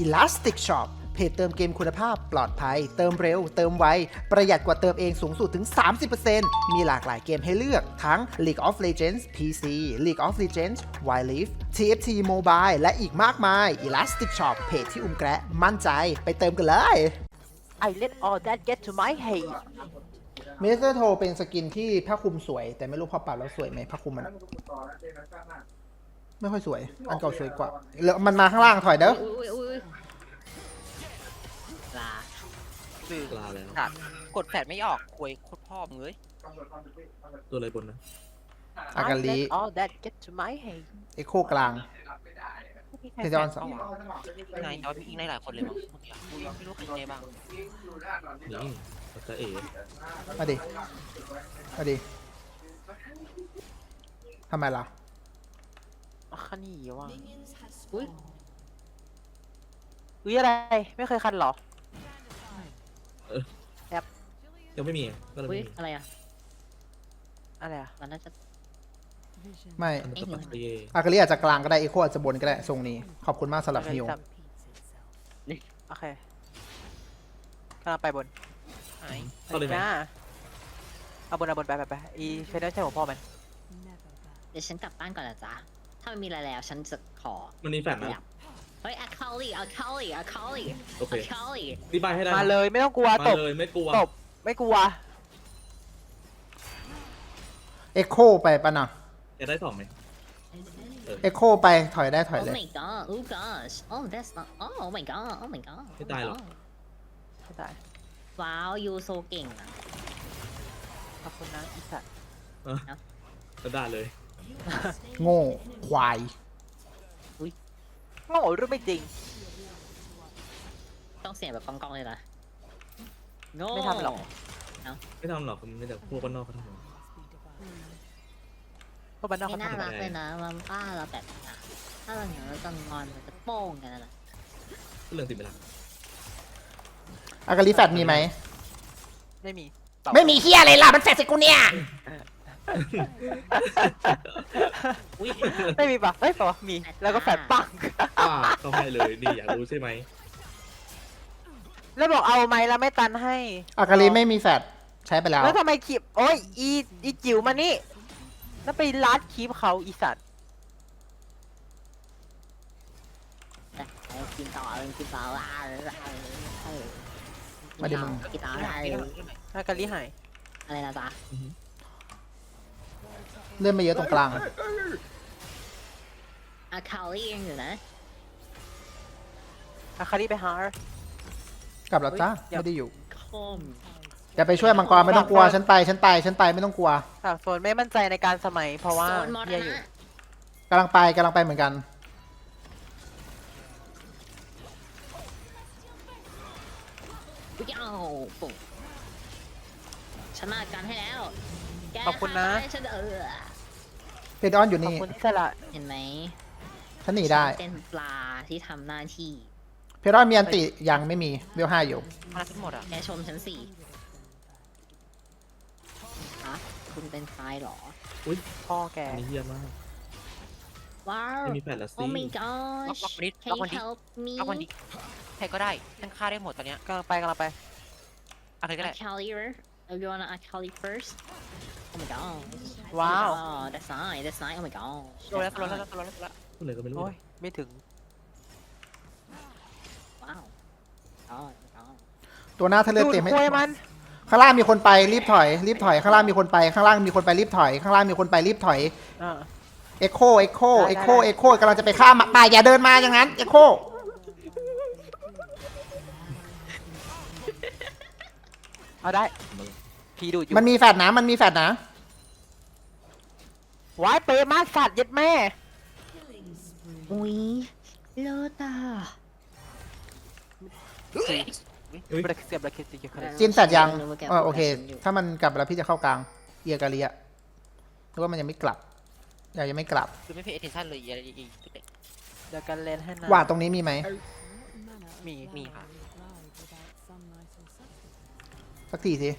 Elastic Shop เพจเติมเกมคุณภาพปลอดภัยเติมเร็วเติมไวประหยัดกว่าเติมเองสูงสุดถึง 30% มีหลากหลายเกมให้เลือกทั้ง League of Legends PC League of Legends Wild Rift TFT Mobile และอีกมากมาย Elastic Shop เพจที่แกระมั่นใจไปเติมกันเลย I let all that get to my head เมสเตอร์โทเป็นสกินที่ผ้าคลุมสวยแต่ไม่รู้พอปรับแล้วสวยไหมผ้าคลุมมันไม่ค่อยสวยอันเก่าสวยกว่าแล้วมันมาข้างล่างถอยเด้อลาคือลาแล้วครับกดแฟดไม่ออกควยโคตรพ่อมึงเลยตัวอะไรบนนะอากาลิ I let all that get to my head เอ็กโคกลาง เทจอนสองไงจอยมีอีกในหลายคนเลยมั้งเมื่อกี้กูยังไม่รู้ใครในบ้างนี่ตาเอ๋มาดิมาดิทำไมล่ะคันนี่ว่ะอุ้ยอุ้ยอะไรไม่เคยคันเหรอยังไม่มีก็เลยอุ้ยไม่มีอะไรอ่ะอะไรอะมันน่าจะไม่อันนั้นก็ปัตเย่อากาลิอาจจะกลางก็ได้เอ็กโคอาจจะบนก็ได้ทรงนี้ขอบคุณมากสำหรับฮิวโอเคกำลังไปบนเข้าเลยไหมจ้าเอาบนไปอีเฟเดอร์ใช่หัวพ่อมันเดี๋ยวฉันกลับบ้านก่อนนะจ๊ะถ้าไม่มีอะไรแล้วฉันจะขอมันมีแฟนขยันะบเฮ้ยอะคาลีอะคาลีอะคาลีโอเคอะคาลีรีบายให้ได้มาเลยไม่ต้องกลัวมาตบเลยไม่กลัวตบไม่กลัวเอ็กโคไปปะนะจะได้สองไหมเอ็กโคไปถอยได้ถอยโอ้เลย my god oh gosh oh that's not oh my god oh my god ไม่ตายหรอกไม่ตายว้าวยูโซเก่งอ่ะขอบคุณนะอีสัตว์ก็ได้เลยโง่ควายโง่หรือไม่จริงต้องเสียงแบบกองๆเลยนะโง่ไม่ทำหรอกไม่ทำหรอกมันแต่พวกคนนอกเขาทำเพราะบ้านนอกไม่เขาน่าทำรักเลยนะมันป้าเราแบบนี้นะถ้าเราอย่างเราจะงอนมันจะโป้งกันนะก็เรื่องติดเวลาอากาลิแฟดมีไหมไม่มีไม่มีเฮียอะไรล่ะมันแฟดใส่กูเนี่ยอุ้ยไม่มีปะเฮ้ยปะมีแล้วก็แฟดปังเขาให้เลยนี่อยากรู้ใช่ไหมแล้วบอกเอาไหมแล้วไม่ตันให้อากาลิไม่มีแฟดใช้ไปแล้วแล้วทำไมคลิปโอ้ยอีจิ๋วมานี่แล้วไปลัดคลิปเขาอีสัตว์กินต่อกินต่อมาดิมึงกินต่ออากาลิหายอะไรนะจ๊ะเลื่อนมาเยอะตรงกลางอะคาลี่ยังอยู่นะอาคาริไปหากลับแล้วจ้าเฮ้ยไม่ได้อยู่คมอย่าไปช่วยมังกรไม่ต้องกลัวฉันไปไม่ต้องกลัวสาวโซนไม่มั่นใจในการสมัยเพราะว่าโซนมอเฮียนะอยู่กำลังไปเหมือนกันอุ๊ยอ้าวปุ๊บฉันมาการให้แล้วแกขอบคุณนะทำให้ฉันเพดอนอยู่ขอบนี่คุณที่สละเห็นไหมฉันหนีได้ฉันเป็นปลาที่ทำหน้าที่เพดอนมีอันติยังไม่มีเวล5อยู่มาทั้งหมดอ่ะแกชมฉันสิฮะคุณเป็นใครเหรอพ่อแกอันนี้เยี่ยมมากว้าวไม่มีแฟนละสิ Oh my gosh ล็อกวันนี้ Can ล็อก you วันนี้ help me ล็อกวันนี้ใครก็ได้ฉันฆ่าได้หมดตอนเนี้ยกำลังไปอะไรก็ได้ Akali you wanna Akali first Oh my god Wow. That's nice Oh my god โดนแล้วโดนแล้วโดนแล้วพูดเลยก็ไม่รู้โอ้ยไม่ถึงว้าวอ๋อตัวหน้าถ้าเลือดเต็มดูดควยมันข้างล่างมีคนไปรีบถอยข้างล่างมีคนไปข้างล่างมีคนไปรีบถอยข้างล่างมีคนไปรีบถอยอ่าเอ็กโคกำลังจะไปฆ่าป่าอย่าเดินมาอย่างนั้นเอ็กโคเอาได้พีดูดอยู่มันมีแฟดนะว้ายเปย์มากสัตว์เย็ดแม่อุ้ยเลิศอ่ะบลักเสียบลักเสียบจินแฟดยังโอเค ถ้ามันกลับแล้วพี่จะเข้ากลางเอียกาเลียหรือว่ามันยังไม่กลับยังไม่กลับคือไม่เพย์ attention เลยอะไรอีกเดี๋ยวกันเล่นให้นะหวาดตรงนี้มีไหมมีค่ะสักทีสิ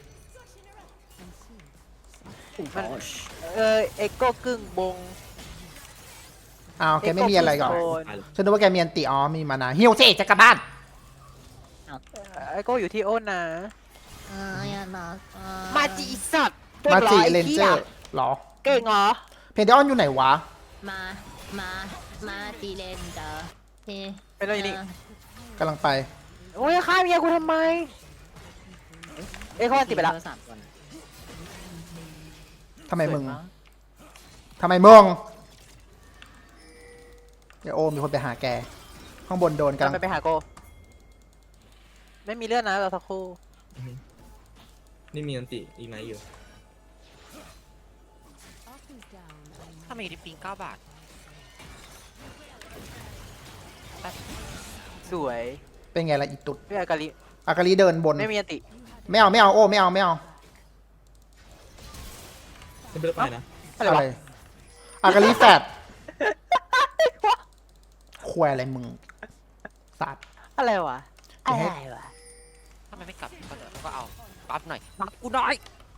เอ็กโก้กึ่งบงอ้าวแกไม่มีอะไรก่อนโอ้ยตายเลยฉันนึกว่าแกมีอันติอ๋อมีมานาฮิวสิจะกลับบ้านไอ้โก้อยู่ที่โอนนะอย่านะมาจีสัตว์ก่งมาหอจิไอ้เลนเจอหี้ยร์หรอเก่งเหรอเพนเดออนอยู่ไหนวะมามามาจีเลนเจอเฮ้เป็นอะไรนี่กำลังไปโอ้ยฆ่าเมียกูทำไม เอ้ยเขาอันติดไปแล้วสามคนทำไมมึงสวยากทำไมมึงเดี๋ยวโอมีคนไปหาแก ข้างบนโดนกำลังไปหาโก ไม่มีเลือดนะเราสักครู่อือฮึนี่มีอันติอีกไหนอยู่ถ้ามีดิปปิ้ง9 บาทสวยเป็นไงล่ะอีตุดพี่อากาลิอากาลีเดินบนไม่มีอันติไม่เอาไม่เอาโอ้ไม่เอาไม่เอาไม่เป็นไรไปนะอะไรอะไรวะอากาลีแฟดควายอะไรมึงสัตว์อะไรวะอย่าอะให้ไรวะถ้ามันไม่กลับก็เดี๋ยวก็เอาบัฟหน่อยบัฟกูหน่อย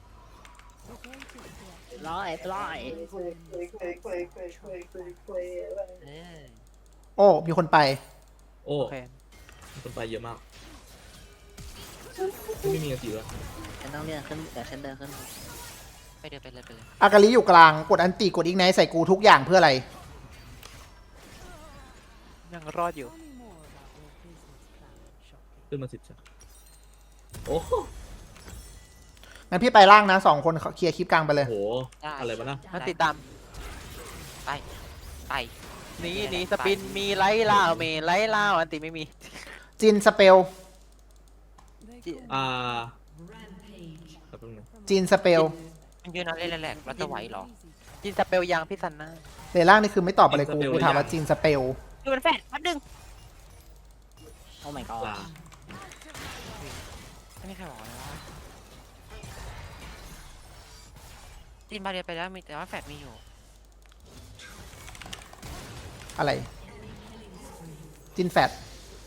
ร้อยร้อยเออโอ้มีคนไปโอ้โอเคมีคนไปเยอะมากไม่มีอันติแล้วฉันต้องเลื่อนขึ้นเดี๋ยวฉันเดินขึ้นไปเดินไปเลยไปเลยอากาลีอยู่กลางกดอันติกดอีกไนท์ใส่กูทุกอย่างเพื่ออะไรยังรอดอยู่ขึ้นมา10 จ้ะโอ้โหงั้นพี่ไปล่างนะ2 คนเคลียร์คลิปกลางไปเลยโหได้อะไรวะนะมันติดตามไปไปนี่สปินมีไล่ล่าวเมย์ไล่ล่าวอันติไม่มีจินสเปลจิแป๊บนึงนะจินสเปลมันยืนนอนเล่นแหลกๆแล้วจะไหวเหรอจินสเปลยังพี่ซันน่าเลนล่างนี่คือไม่ตอบอะไรกูถามว่าจินสเปลดูมันแฟดแป๊บนึงโอ้ my god ลาไม่มีใครบอกเลยว่าจีนบาเรียไปแล้วมีแต่ว่าแฟดมีอยู่อะไร จินแฟด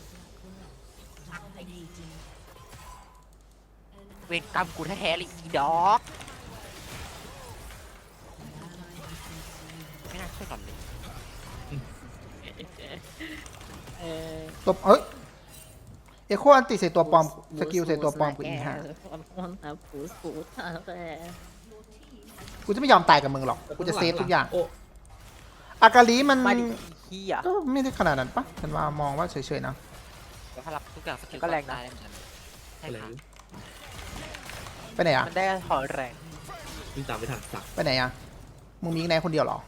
เวรกรรมกูแท้ๆเลยอีดอก ไม่น่าช่วยก่อนเลยตัวเอ้ยเอโคอันติใส่ตัวปลอมสกิลใส่ตัวปลอมกูอีกฮะคนนะผูสผูสแต่กูจะไม่ยอมตายกับมึงหรอกกูจะเซฟทุกอย่างโอ้อากาลีมันมาดิขี้อ่ะก็ไม่ได้ขนาดนั้นปะฉันว่ามองว่าเฉยๆนะแล้วถ้ารับทุกอย่างสกิลก็แรงนะได้เหมือนกันใช่อะไรค่ะไปไหนอะมันได้ถอนแรงวิ่งตามไม่ทันสักไปไหนอะมึงมีอีกไหนคนเดียวเหรอ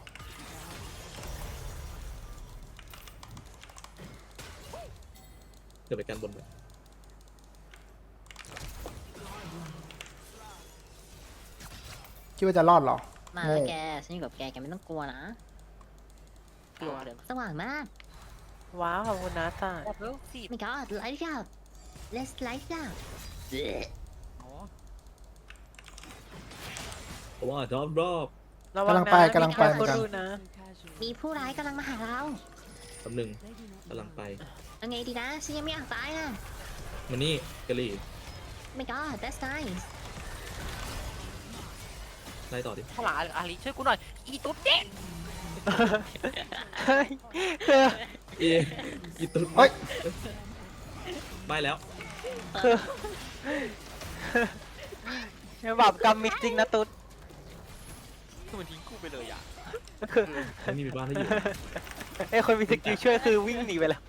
เกิดไปกันบนไปคิดว่าจะรอดเหรอมาโง่แกฉันอยู่กับแกแกไม่ต้องกลัวนะกลัวเดี๋ยวสว่างมากว้าวขอบคุณนะซ่าแบบเร็วสิ my god light it up let's light it up โอ้เพราะว่าดอบระวังนะกำลังไปกำลังไปมีเหมือนกันครู้นะมีผู้ร้ายกำลังมาหาเราแป๊บนึงกำลังไปเอาไงดีนะฉันยังไม่อยากตายอ่ะมานี่กะหรี่ my god that's nice ไล่ต่อดิข้างหลังอาลีช่วยกูหน่อย อีตุ๊ดเด็กเฮ้ยเอ๊ะอีตุ๊ดเฮ้ยไม่แล้วบาปกรรมมีจริงนะตุ๊ดคือมันทิ้งกูไปเลยอ่ะไม่มีบ้านให้อยู่ไอ้คนมีสกิลช่วยคือวิ่งหนีไปแล้ว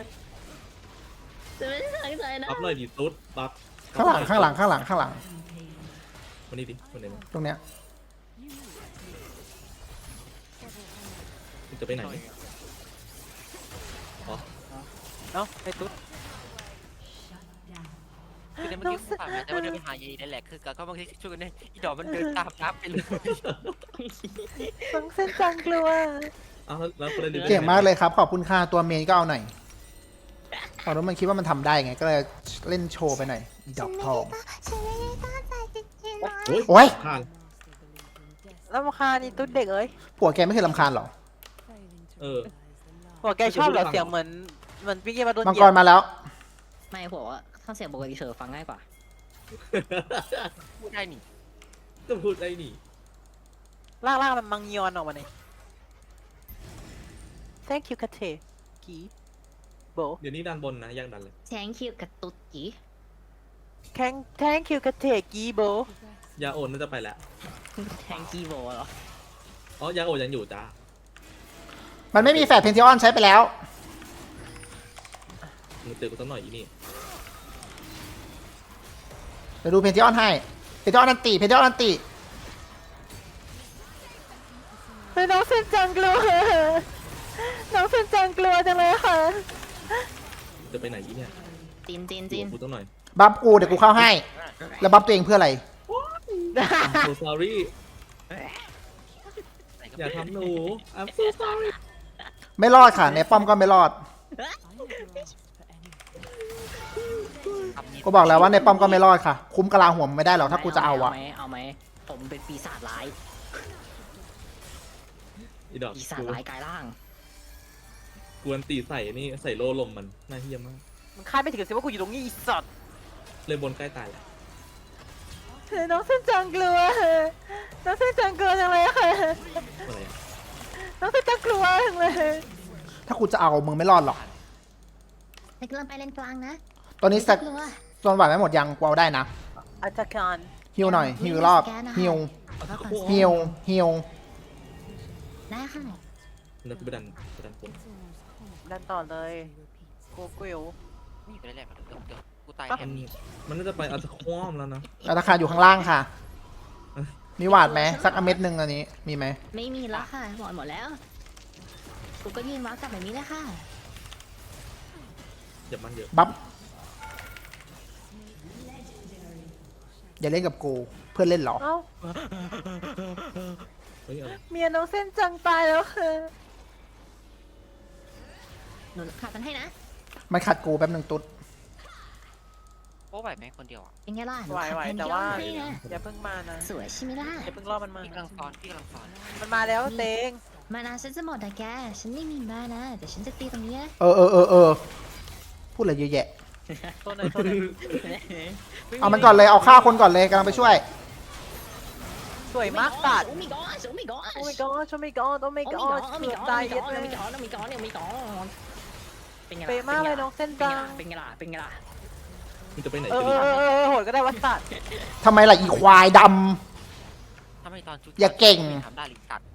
จะไม่ได้ตั้งใจนะบัฟหน่อยดิตุ๊ดบัฟข้างหลังข้างหลังข้างหลังข้างหลังมานี่ดิมาไหนมาตรงเนี้ยคุณจะไปไหนอ๋อเอ้าไอ้ตุ๊ดคือในเมื่อกี้กูผ่านมาแต่ว่าเดินไปหายายนั่นแหละคือก็บางทีช่วยกันเนี่ยอีดอกมันเดินตามน้ำไปเลยสังเส้นจังกลัวอ้าวแล้วประเด็นเก่งมากเลยครับ ขอบคุณค่าตัวเมนก็เอาหน่อยพอรู้มันคิดว่ามันทำได้ไง ก็เลยเล่นโชว์ไปหน่อยอีดอกทองฉันไม่ได้ตั้งใจจริงๆนะโอ๊ยข้างแล้วมาคานี่ตุ๊ดเด็กเอ้ยผัวแกไม่เคยรำคาญเหรอเออหัวแกชอบเหรอเสียงเหมือนพี่เกมมาโดนมังเหยีกยรบมาแล้วไม่ผมว่าถ้าเสียงปกติเฉยฟังง่ายกว่าพูดได้นี่ก็พูดได้นี่ล่างๆมันมังยอนออกมาเนี่ย thank you คาเทกีโบเดี๋ยวนี้ดันบนนะยังดันเลยแทงคิวกับตุ๊ดจี thank you คาเทกีโบยาโอนน่าจะไปแล้วแทงกีโบเหรออ๋อยาโอนยังอยู่จ้ามันไม่มีแฟดเพนทิออนใช้ไปแล้วมึงเจอกูสักหน่อยอีนี่เดี๋ยวดูเพนทิออนให้เพนทิออนอันติเพนทิออนอันติเป็นน้องเซนจังกลัวน้องเซนจังกลัวจังเลยค่ะจะไปไหนอีเนี่ยจีนอยู่กับกูสักหน่อยบัฟกูเดี๋ยวกูเข้าให้ แล้วบัฟตัวเองเพื่ออะไร I'm so sorry อย่าทำหนู I'm so sorry ไม่รอดค่ะ ในป้อมก็ไม่รอด กูบอกแล้วว่าในป้อมก็ไม่รอดค่ะ คุ้มกะลาหัวมันไม่ได้หรอกถ้ากูจะเอาอะเอาไหมผมเป็นปีศาจร้ายอีดอกปีศาจร้ายกายร่างกวนตีใส่นี่ใส่โล่ลมมันน่าเฮี้ยมากมันคาดไม่ถึงสิว่ากูอยู่ตรงนี้อีสัตว์เลยบนใกล้ตายแล้วน้องเซนจังกลัวน้องเซนจังกลัวจังเลยค่ะอะไรอะน้องเซนจังกลัวจังเลยถ้ากูจะเอามึงไม่รอดหรอกเล็กเริ่มไปเลนกลางนะตอนนี้สักกลัวส่วนไหวไม่หมดยังกูเอาได้นะอาจารย์การฮิวหน่อยฮิวรอบฮิวแล้วก่อนฮิวฮิวได้ค่ะแล้วกูไปดันบนดันต่อเลยกูกิวไม่อยู่ได้แหละเดี๋ยวกูตายปั๊บแทนนี่มันน่าจะไปอัลตะคอมแล้วนะราคาอยู่ข้างล่างค่ะ มีหวาดไหมสักอเม็ดหนึ่งอันนี้มีไหมไม่มีแล้วค่ะหมดแล้วกูก็ยืนว้ากลับแบบนี้แหละค่ะอย่ามันเยอะบัฟอย่าเล่นกับกูเพื่อนเล่นเหรอเอ้าเฮ้ยอะไรเมียน้องเส้นจังตายแล้วค่ะหนูขาดกันให้นะมันขัดกูแป๊บหนึ่งตุ๊ดโอ้ไหวไหมคนเดียวอ่ะเป็นไงล่ะหนูไหวขาดไหวแทนแต่ย้อว่านให้นะอย่าเพิ่งมานะสวยใช่ไหมล่ะอย่าเพิ่งรอมันมาพี่กำลังซ้อนมันมาแล้วเตงมานาฉันจะหมดแต่แก ฉันไม่มีมานะแต่ฉันจะตีตรงนี้นะพูดอะไรเยอะแยะตัวไหนตัวไหนเอามันก่อนเลยเอาฆ่าคนก่อนเลยกำลังไปช่วยสวยมากสัตว์โอ้มีก้อนโอ้มีก้อนโอ้ my god โอ้ my god โอ้ my god เกือบตายเย็ดเลยมีก้อนเป็นไงล่ะเป๊ะมากเลยน้องเส้นจังเป็นไงล่ะเป็นไงล่ะมึงจะไปไหนเอกันอโหดก็ได้วัดสัตว์ทำไมล่ะอีควายดถ้าไม่ตอนชุดอย่าเก่งทำได้หรือตัด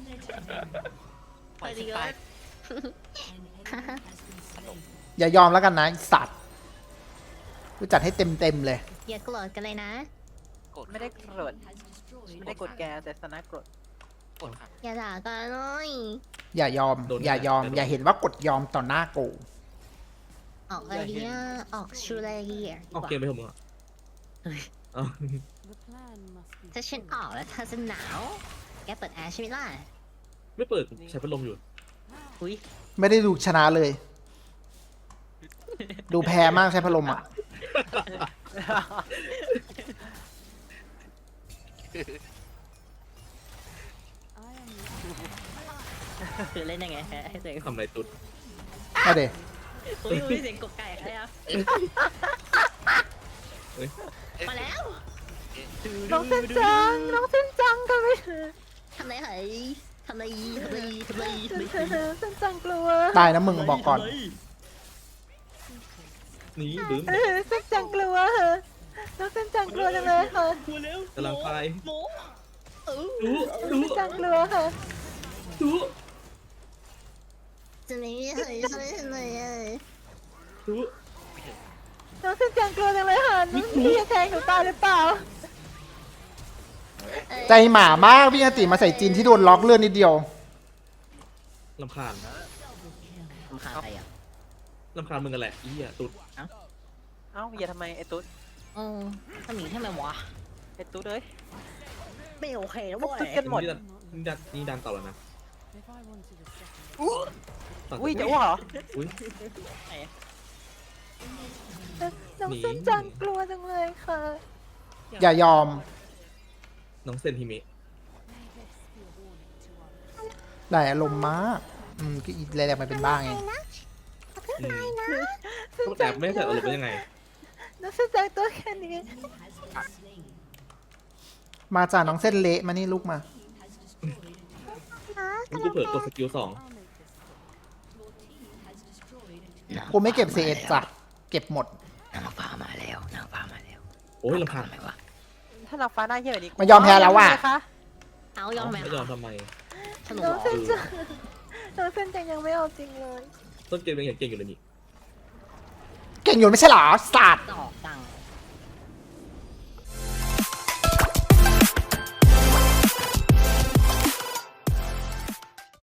ปล่อยสิตายำอย่ายอมแล้วกันนะไอ้สัตว์กูจัดให้เต็มเลยอย่าโกรธกันเลยนะกดไม่ได้โกรธไม่ได้กดแกแต่สนะกดกดครับอย่าด่ากันเลยอย่ายอม อย่ายอม อย่าเห็นว่ากดยอมต่อหน้ากูออกอะไรดีอ่ะออกชูอะไรดีอ่ะออกเกมไปเถอะมึงอ่ะเอาถ้าฉันออกแล้วเธอจะหนาว แกเปิดแอร์ใช่ไหมล่ะไม่เปิดใช้พัดลมอยู่อุ้ยไม่ได้ดูชนะเลย ดูแพ้มากใช้พัดลมอ่ะคือเล่นยังไงให้เสียงทำอะไรตุ๊ดเอาเดอุ้ยเสียงกบไก่ใครอ่ะเฮ้ยมาแล้วน้องเส้นจังน้องเส้นจังกันไหมทำไรเหรอทำไรทำไรทำไรเส้นจังกลัวตายนะมึงบอกก่อนหนีบึ้มเส้นจังกลัวน้องเส้นจังกลัวจังเลยค่ะกำลังไปโมเออดูเส้นจังกลัวค่ะดูจะไม่มีใครช่วยฉันเลยอ่ะดูน้องเส้นจังกลัวจังเลยค่ะน้องพี่จะแทงหนูตายหรือเปล่าใจหมามากพี่อติมาใส่จีนที่โดนล็อกเลื่อนนิดเดียวลำคาญทำขาใครอ่ะลำคาญมึงกันแหละอีอ่ะตุ๊ดเอ้าอย่าทำไมไอ้ตุ๊ดเออทำอย่างนี้ทำไมวะไอ้ตุ๊ดเอ้ยไม่โอเคแล้วพวกเว้ตุ๊ดยกันหมดนี่ดันต่อแล้วนะต่อุ้ยจะอ้วกเหรออุ้ยน้องเส้นจังกลัวจังเลยค่ะอย่ายอมน้องเซนฮิเมะได้อารมณ์มากก็อีแรงๆมันเป็นบ้าไงอืมต้องแต่ไม่ใส่อารมณ์เป็นยังไงน้องเส้นจังตัวแค่นี้มาจากน้องเส้นเละมานี่ลูกมามึงกูเผลอกดสกิล2 กูไม่เก็บ CS จ้ะเก็บหมดนางฟ้ามาแล้วนางฟ้ามาแล้วโอ้ยลำพังทำไมวะถ้าเราฟ้าหน้าเหี้ยแบบนี้มันยอมแพ้แล้วว่ะเายังไงคเอายอมแม่ไม่ยอมทำไมสนุกน้เหอรง อเส้นจังน้องเส้นจังยังไม่เอาจริงเลยต้นเกมยังเก่งอยู่เลยนี่เก่งอยู่ไม่ใช่เหรอสัตว์ดอกตา